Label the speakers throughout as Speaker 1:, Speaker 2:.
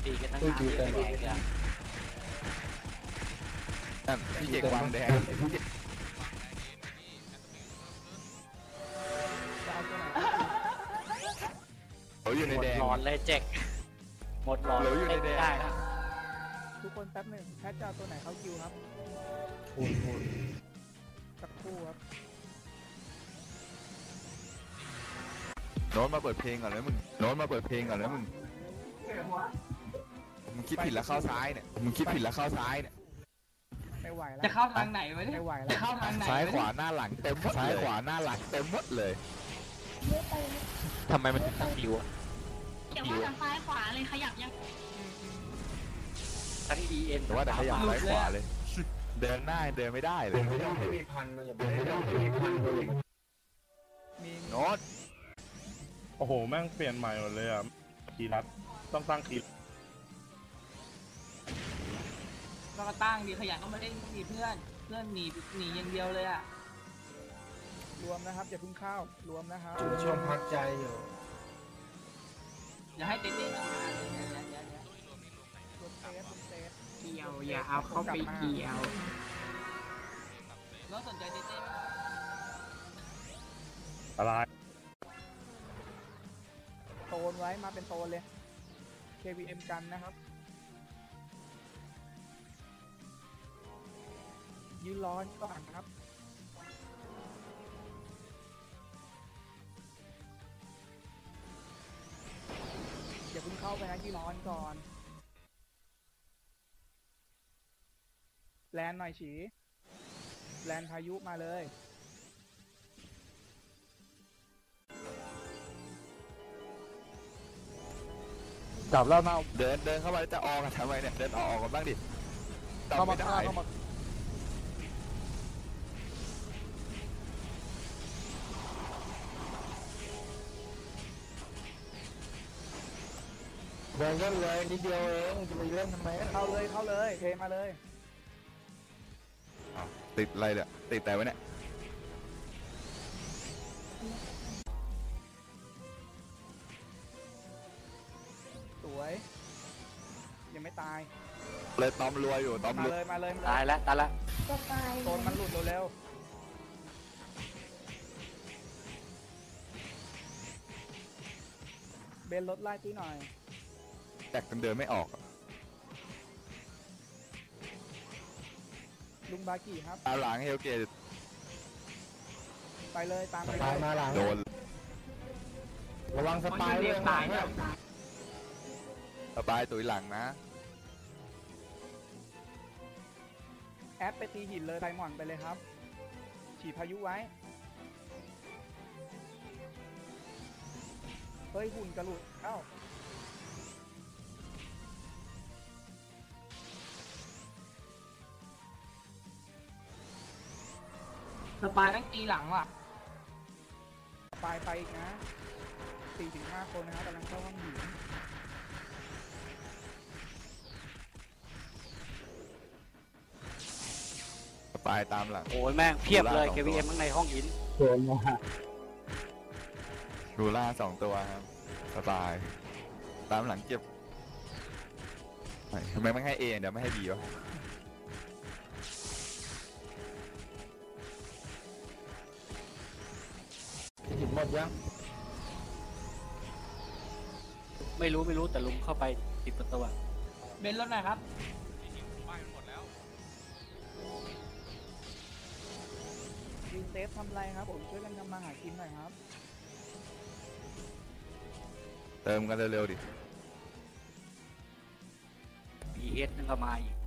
Speaker 1: ตีกันตั้งนานที่ไม่แดงเลย
Speaker 2: พี่เจกวางแดงเขาอยู่ในแดง
Speaker 1: หมดหลอนเลยเจ็กหมดหลอน
Speaker 2: เราอยู่ในแดง
Speaker 1: ได้นะ
Speaker 3: ทุกคนแป๊บหนึ่งแพทจะเอาตัวไหนเข้าคิวครับสักครู่ครับ
Speaker 2: โน้ตมาเปิดเพลงก่อนแล้วมึงโน้ตมาเปิดเพลงก่อนแล้วมึงคิดผิดแล้วเข้าซ้ายเนี่ยมึงคิดผิดแล้วเข้าซ้ายเนี่ย
Speaker 3: ไม่ไหวแล้ว
Speaker 4: จะเข้าทางไหนวะเนี่ย
Speaker 3: ไม่ไหวแล้
Speaker 4: จะ
Speaker 3: ว
Speaker 4: เข้าทางไหน
Speaker 2: ซ้ายขวาหน้าหลังเต็มหมดซ้ายขวาหน้าหลังเต็มหมดเลย
Speaker 1: ทำไมมันถึงต้องดิวอะ
Speaker 5: อย่าว่าแต่ซ้ายขวาเลยขยับยัง
Speaker 1: ทั้ง EN
Speaker 2: แต่ว่าแต่ขยับซ้ายขวาเลย เดินหน้าเดินไม่ได้เลย
Speaker 3: มี
Speaker 2: โน้ต
Speaker 6: โอ้โหแม่งเปลี่ยนใหม่หมดเลยอ่ะคีย์ลัดต้องตั้งคีย์
Speaker 4: ก็มาตั้งดีขยันก็มาเล่นดีเพื่อนหนีอย่างเดียวเลยอ่ะ
Speaker 3: รวมนะครับอย่าเพิ่งเข้ารวมนะครับ
Speaker 7: ช่วงพักใจอยู่
Speaker 4: อย่าให้เต้นๆนะ
Speaker 3: รวมเซฟรวมเซฟ
Speaker 4: เกี่ยวอย่าเอาเข้าไปเกี่ยวแล้วสนใจเต้นๆไหม
Speaker 6: อะไร
Speaker 3: โตนไว้มาเป็นโตนเลย KVM กันนะครับยืนรอก่อนครับอย่าเพิ่งเข้าไปนะยืนรอก่อนแลนหน่อยฉีแลนพายุมาเลยจับแล้วเน่า
Speaker 2: เดินเข้ามาแล้วจะออกกันทำไมเนี่ยเดินออกกันบ้างดิ
Speaker 3: เข้ามา
Speaker 2: ไม่
Speaker 3: ฆ่า
Speaker 2: ได้
Speaker 3: เข้ามา
Speaker 7: เดินเล่นเลยนิดเดียวเองจะไปเล่นทำไม
Speaker 3: เข้าเลยเข้าเลยเทมาเลย
Speaker 2: อ้าวติดอะไรเนี่ยติดแต่ไว้เนี่ย
Speaker 3: สวยยังไม่ตาย
Speaker 2: เลยตอมรวยอยู่ตอม
Speaker 3: มาร
Speaker 2: วย
Speaker 3: เลยมาเลย
Speaker 1: ตายแล้วตายแล้ว
Speaker 3: โซนมันหลุดเร็วๆเบนรถไล่ตุ้ยหน่อย
Speaker 2: แตกจนเดินไม่ออก
Speaker 3: ลุงบากิครับ
Speaker 2: ตามหลังเฮลเกต
Speaker 3: ไปเลยตามไปเล
Speaker 7: ตาย
Speaker 3: ย
Speaker 7: มาหลัง
Speaker 2: โดน
Speaker 7: ระวังสปายด้วย
Speaker 4: ตายเนี่ย
Speaker 2: สบายตุยหลังนะ
Speaker 3: แอดไปตีหินเลยไดมอนด์ไปเลยครับ ฉีดพายุไว้เฮ้ยหุ่นกระหลุดเอ้า
Speaker 4: สปายต้องตีหลังว่ะ
Speaker 3: ไปอีกนะ 4-5 คนนะครับกำลังเข้าห้องหิน
Speaker 2: สบายตามหลัง
Speaker 1: โอ้ยแม่งเพียบเลย KVM ข้างในห้องหิน
Speaker 7: โดนมา
Speaker 2: ดูล่า2 ตัวครับสบายตามหลังเก็บเฮ้ยทำไมไม่ให้เอเดี๋ยวไม่ให้บีวะ
Speaker 7: หินหมดยัง
Speaker 1: ไม่รู้แต่ลุงเข้าไป10 ประตูอะ
Speaker 4: เบนรถหน่อยครับ
Speaker 3: รีเซฟทำไรครับผมช่วยกันทำมาหากินหน่อยครับ
Speaker 2: เติมกันเร็วๆดิ
Speaker 1: ES นั่นก็มาอีก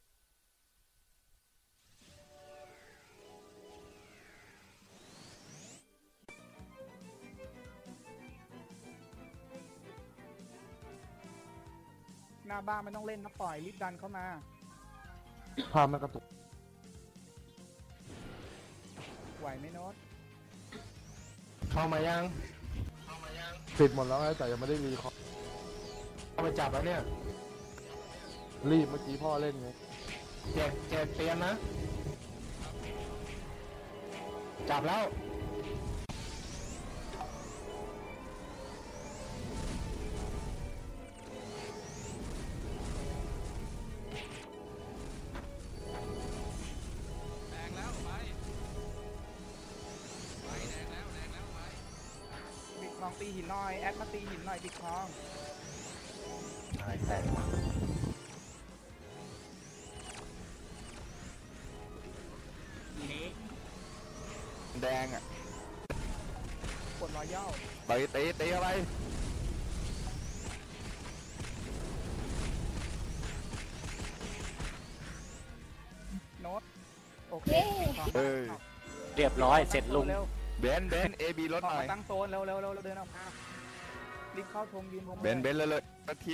Speaker 3: หน้าบ้านไม่ต้องเล่นนะปล่อยรีบดันเข้ามา
Speaker 7: พามันกระตุก
Speaker 3: ไหวไหมโน้ต
Speaker 7: เข้ามายัง
Speaker 8: ปิดหมดแล้วไงแต่ยังไม่ได้รีคอร์ด
Speaker 7: เข้าไปจับแล้วเนี่ย
Speaker 8: รีบเมื่อกี้พ่อเล่นไง
Speaker 7: เจ็บเตรียมนะ จับแล้ว
Speaker 3: องตีหินหน่อยแอดมาตีหินหน่อยปิดคลอง
Speaker 7: ใช่แต่
Speaker 2: แดงอ่ะ
Speaker 3: กดรอยย่อ
Speaker 2: ตีเข้าไป
Speaker 3: โน้ตโอเคปิดคลอง
Speaker 2: เอ้ย
Speaker 1: เรียบร้อยเสร็จลุง
Speaker 3: เร็ว
Speaker 2: เบนเอบีรถ
Speaker 3: ออก
Speaker 2: หน่อย
Speaker 3: มาตั้งโซนเร็วเร็วเร็วเดินออกมารีบเข้าธงยืนธง
Speaker 2: เบนเลยนาที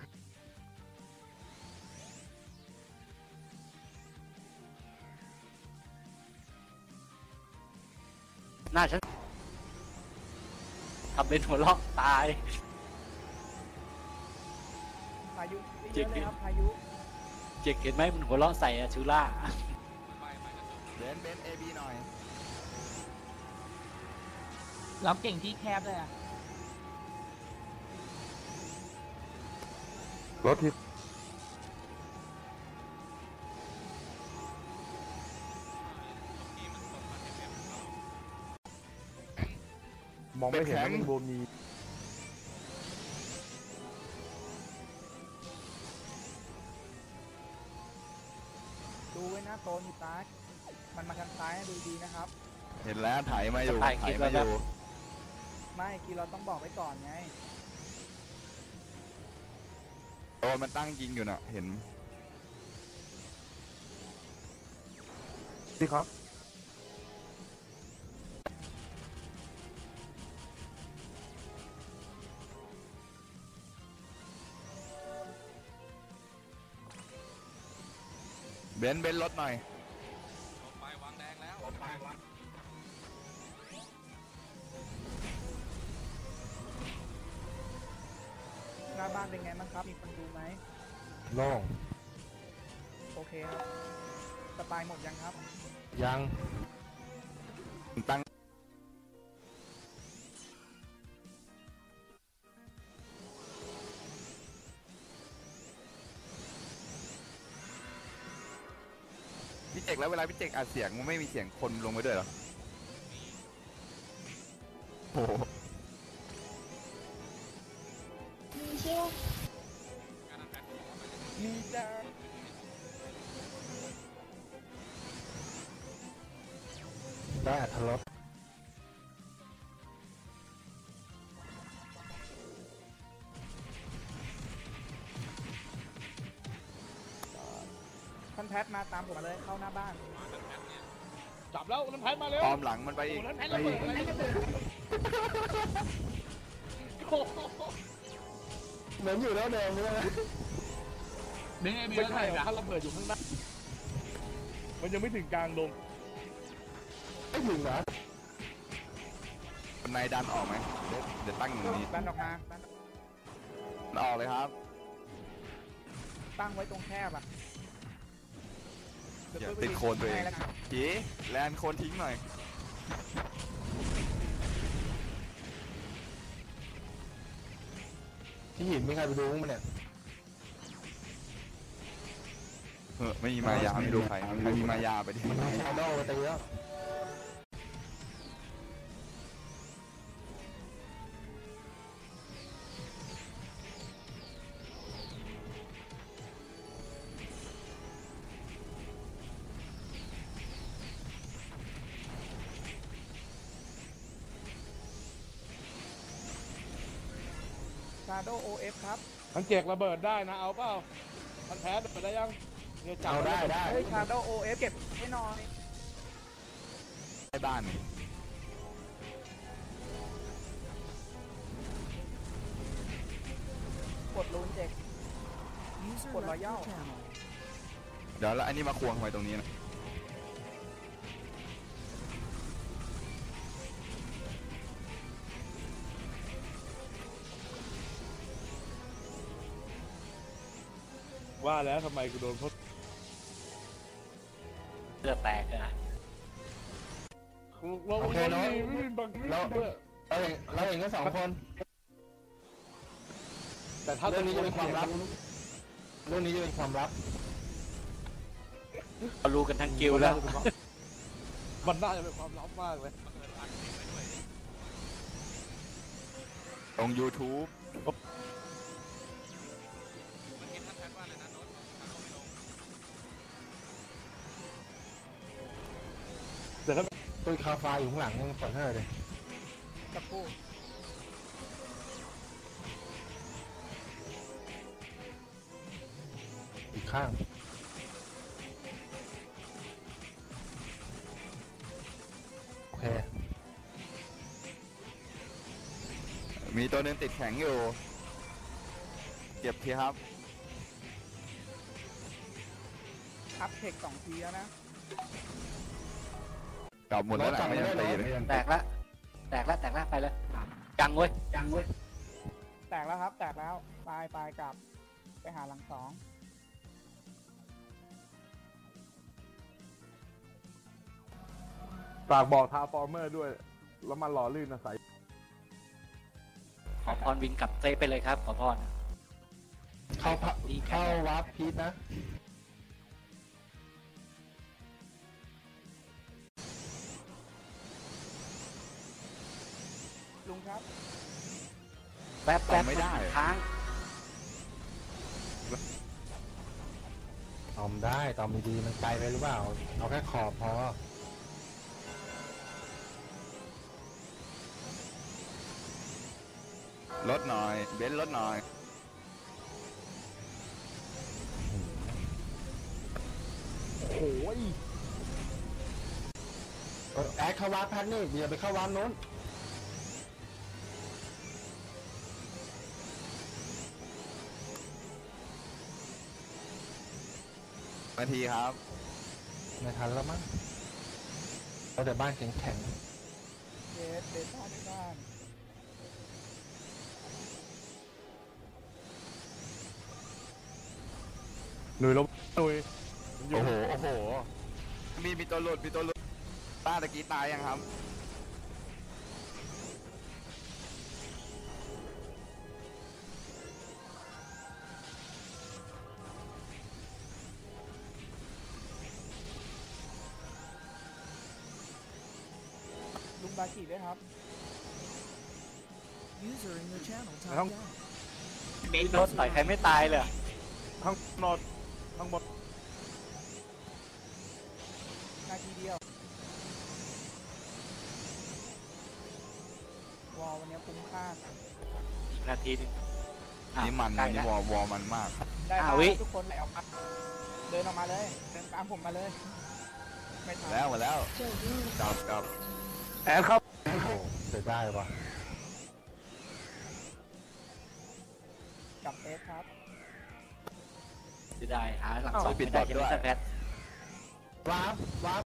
Speaker 1: หน้าฉันทำเป็นหัวเราะตาย
Speaker 3: พายุเยอะเลยครับพายุ
Speaker 1: เจ๊กเห็นไหมมันหัวเราะใส่อะชูล่า
Speaker 2: เบนเอบีหน่อย
Speaker 4: เราเก่งที่แคบเลยอ่ะ
Speaker 8: รถที่มองไม่เห็นว่ามันโบมี
Speaker 3: ดูไว้นะโซนอยู่ซ้ายมันมาทางซ้ายนะดูดีนะครับ
Speaker 2: เห็นแล้วถ่ายมาอยู่
Speaker 1: ถ่ายคลิปแล้วครับ
Speaker 3: ไม่กีเราต้องบอกไว้ก่อนไง
Speaker 2: โอ้มันตั้งยิงอยู่น่ะเห็น
Speaker 8: ที่ครับ
Speaker 2: เบนรถหน่อย
Speaker 3: หน้าบ้านเป็นไงบ้างครับมีคนดูไหม
Speaker 7: โล่ง
Speaker 3: โอเคครับสปายหมดยังครับ
Speaker 7: ยัง
Speaker 2: ตั้งพี่เจกแล้วเวลาพี่เจกอัดเสียงมันไม่มีเสียงคนลงไปด้วยเหรอโอ้โห
Speaker 3: มีจ้า
Speaker 7: ได้อัธรส
Speaker 3: ท่านแพทมาตามผมมาเลยเข้าหน้าบ้าน
Speaker 6: จับแล้วน้ำแพทมาเร็ว
Speaker 2: ออมหลังมันไปอีก
Speaker 6: น้ำแพทระเบิดอะไรกันเนี่ย
Speaker 7: เหมือนอยู่แล้วแดงเลยนะ
Speaker 4: เบนเอบี
Speaker 6: ไม่
Speaker 4: แล้ว
Speaker 6: ใช่
Speaker 4: ไง
Speaker 6: หรอ
Speaker 4: อะ
Speaker 6: ถ้าระเบิดอยู่ข้างหน้ามันยังไม่ถึงกลางดง
Speaker 7: ไม่ถึงนะ
Speaker 2: นายดันออกไหมเดี๋ยวตั้งอย่างนี้
Speaker 3: ดันออกมาดัน
Speaker 2: มันออกเลยครับ
Speaker 3: ตั้งไว้ตรงแคบอ่ะ
Speaker 2: อย่าติดโคนตัวเอง
Speaker 3: ให้แล้วกัน
Speaker 2: จีแลนโคนทิ้งหน่อย
Speaker 7: ที่หินมีใครไปดูมั้งเนี่ย
Speaker 2: ไม่มีมายาไม่ดูใครใครมีมายาไปดิ
Speaker 7: มันชาโดว์ไปตีแล้ว
Speaker 3: ชาโดโอเอฟครับ
Speaker 6: มันเจกระเบิดได้นะเอาเปล่ามันแพ้ระเบิดได้ยังเนี่ยจับ
Speaker 7: เอาได้ได้
Speaker 3: เฮ้ยชาโดโอเอฟเก็บให้หน่อย
Speaker 2: ใต้บ้านนี่
Speaker 3: กดรูนเจ็กกดรอยย่อ
Speaker 2: เดี๋ยวแล้วอันนี้มาควงทำไมตรงนี้นะ
Speaker 6: ว่าแล้วทำไมกูโดนพด
Speaker 1: เลือดแตกอะ
Speaker 6: เรา
Speaker 7: โอเคเนอะ
Speaker 6: ไม่มีบัง
Speaker 7: เรา
Speaker 6: ด้วย
Speaker 7: เราเห็นกันสองคน
Speaker 6: แต่ถ้า
Speaker 7: เรื่องนี้จะเป็นความลับ เรื่องนี้จะเป็นความลับ
Speaker 1: เรารู้กันทั้งกิลด์แล้ว
Speaker 6: มันน่าจะเป็นความลับมากเลย
Speaker 2: ลง YouTube
Speaker 6: เดี๋ยวก็
Speaker 7: ตัวคาฟ้าอยู่ข้างหลังยังปล่อยให้เลย
Speaker 3: สักครู่
Speaker 7: อีกข้างโอเค
Speaker 2: มีตัวหนึงติดแข็งอยู่ เก็บทีครับ
Speaker 3: อัพเทค2 ทีแล้วนะ
Speaker 2: กลับหมดแล้วแหละไม่ยังตีเลย
Speaker 1: แตกละแตกละแตกละไปเลยยังเว้ยยังเว้ย
Speaker 3: แตกแล้วครับ แตกแล้วไปกลับไปหาหลัง 2
Speaker 8: ฝากบอกทาฟอร์เมอร์ด้วย แล้วมันหล่อลื่นนะใส
Speaker 1: ขอพรวินกลับเซฟไปเลยครับขอพร
Speaker 7: เข้าพะเข้าวาร์ปพีทนะ
Speaker 3: ลุงครับ
Speaker 1: แป๊บแป๊บ
Speaker 2: ไม่ได้
Speaker 1: ค้าง
Speaker 7: ตอมได้ตอมดีๆมันไกลไปหรือเปล่า เอาแค่ขอบพอ
Speaker 2: ลดหน่อย เบนซ์ลดหน่อย
Speaker 8: โอ้ย
Speaker 7: แอดเข้าวาร์ปแพทนี่อย่าไปเข้าวาร์ปโน้น
Speaker 2: นาทีครับ
Speaker 7: ไม่ทันแล้วมั้งเอาแต่บ้านแข็ง
Speaker 3: เดต้าในบ้าน
Speaker 8: หนุ่ยลบหนุ่ย
Speaker 2: โอ้โห โอ้โห มีตัวหลุด มีตัวหลุดต้าตะกี้ตายยังครับ
Speaker 3: ลุงบากิด้วยครับ
Speaker 8: ทั้ง
Speaker 1: รถต่อยใครไม่ตายเลย
Speaker 8: ทั้งนอดทั้งหมด
Speaker 3: นาทีเดียว วอลวันนี้คุ้มค่า
Speaker 1: อีกนาทีหนึงอ่ะ
Speaker 2: นี่มัน
Speaker 1: ใกล้
Speaker 2: นี่
Speaker 1: แล้ว
Speaker 2: วอมันมาก
Speaker 3: ได้
Speaker 1: อ่า
Speaker 3: มา
Speaker 1: วิ
Speaker 3: ทุกคนไหลออกมา เดินออกมาเลย เดินตามผมมาเลย ไม่ทัน
Speaker 2: แล้วมาแล้วกลับ
Speaker 8: แอดครับ
Speaker 7: ๆ โอ้โหเสียได้ว่ะ
Speaker 3: กับเอสครับ
Speaker 1: จะได้หาหลัง
Speaker 2: อ้าว
Speaker 1: สอง
Speaker 2: ปิด
Speaker 1: ไม่ได้
Speaker 2: บอท
Speaker 1: ใช่ไหม
Speaker 2: ด้วย
Speaker 1: แพท
Speaker 7: วาร์ป